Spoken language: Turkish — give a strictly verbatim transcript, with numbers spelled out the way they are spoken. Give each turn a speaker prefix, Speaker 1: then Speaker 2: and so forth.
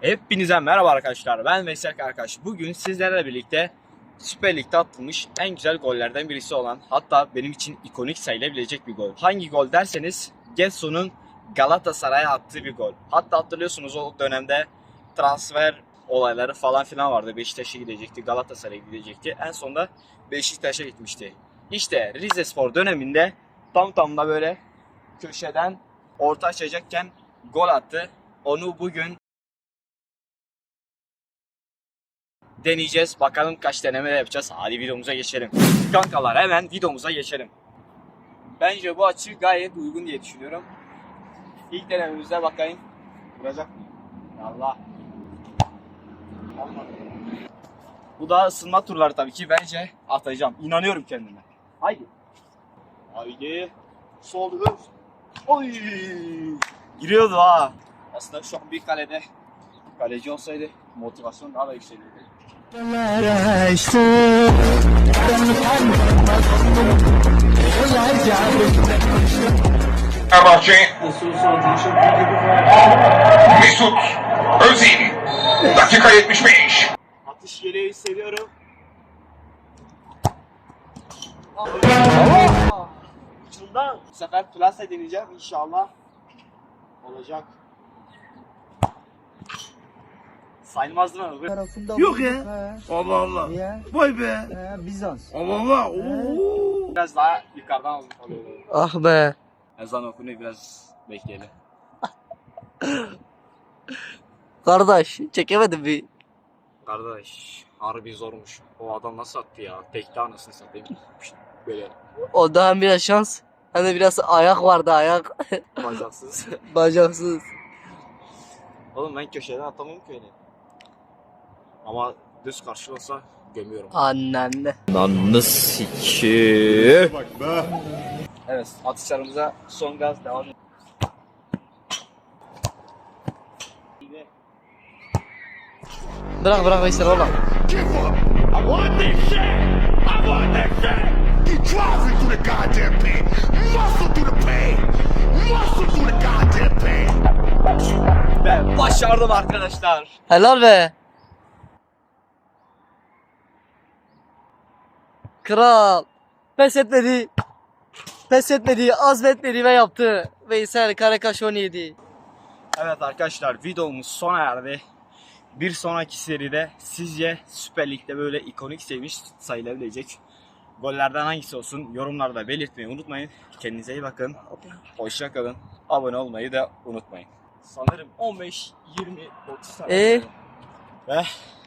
Speaker 1: Hepinize merhaba arkadaşlar. Ben Veysel Karakaş. Bugün sizlerle birlikte Süper Lig'de atılmış en güzel gollerden birisi olan, hatta benim için ikonik sayılabilecek bir gol. Hangi gol derseniz, Getson'un Galatasaray'a attığı bir gol. Hatta hatırlıyorsunuz, o dönemde transfer olayları falan filan vardı. Beşiktaş'a gidecekti, Galatasaray'a gidecekti. En sonunda Beşiktaş'a gitmişti. İşte Rizespor döneminde tam tam da böyle köşeden orta açacakken gol attı. Onu bugün deneyeceğiz. Bakalım kaç deneme yapacağız. Hadi videomuza geçelim. Kankalar, hemen videomuza geçelim. Bence bu açı gayet uygun diye düşünüyorum. İlk denememize bakayım. Vuracak mı? Allah. Olmadı. Bu da ısınma turları tabii ki. Bence atacağım. İnanıyorum kendime. Haydi. Haydi. Sol öz. Oy. Giriyordu ha. Aslında şu an bir kalede kaleci olsaydı motivasyon daha da yükselirdi.
Speaker 2: Fenerbahçe Mesut Özil dakika yetmiş beş.
Speaker 1: Atış geliyor, hissediyorum. Ucundan. Bu sefer plase deneyeceğim inşallah. Olacak. Sayılmaz değil mi?
Speaker 3: Tarafında
Speaker 4: Yok
Speaker 3: bulduk,
Speaker 4: ya.
Speaker 3: he.
Speaker 4: Allah Allah.
Speaker 3: Ya.
Speaker 4: Vay be.
Speaker 3: He, Bizans.
Speaker 4: Allah Allah. Oo.
Speaker 1: Biraz daha yukarıdan alıyor.
Speaker 3: Ah be.
Speaker 1: Ezan okunuyor, biraz bekleyelim.
Speaker 3: Kardeş çekemedim bir.
Speaker 1: Kardeş, harbi zormuş. O adam nasıl attı ya? Tekte anasını satayım. Böyle
Speaker 3: O da hem biraz şans hem de biraz ayak vardı, ayak.
Speaker 1: bacaksız.
Speaker 3: Bacaksız.
Speaker 1: Oğlum ben köşeden atamam ki öyle. Ama düz karşı olsa gömüyorum.
Speaker 3: Annenle.
Speaker 1: Evet, atışlarımıza son gaz devam ediyor.
Speaker 3: Bırak bırak Veysel oğlum.
Speaker 2: Give up. I want this shit. I want this shit. He drives me through the goddamn pain. Muscle through the pain. Muscle through the goddamn pain.
Speaker 1: Ben başardım arkadaşlar.
Speaker 3: Helal be. Kral. Pes etmedi. Pes etmedi, azmetmedi ve yaptı. Veysel Karakaş on yedi.
Speaker 1: Evet arkadaşlar, videomuz sona erdi. Bir sonraki seride sizce Süper Lig'de böyle ikonik sevmiş sayılabilecek gollerden hangisi olsun yorumlarda belirtmeyi unutmayın. Kendinize iyi bakın. Hoşça kalın. Abone olmayı da unutmayın. Sanırım on beş, yirmi, otuz tane.
Speaker 3: Ee?
Speaker 1: Ve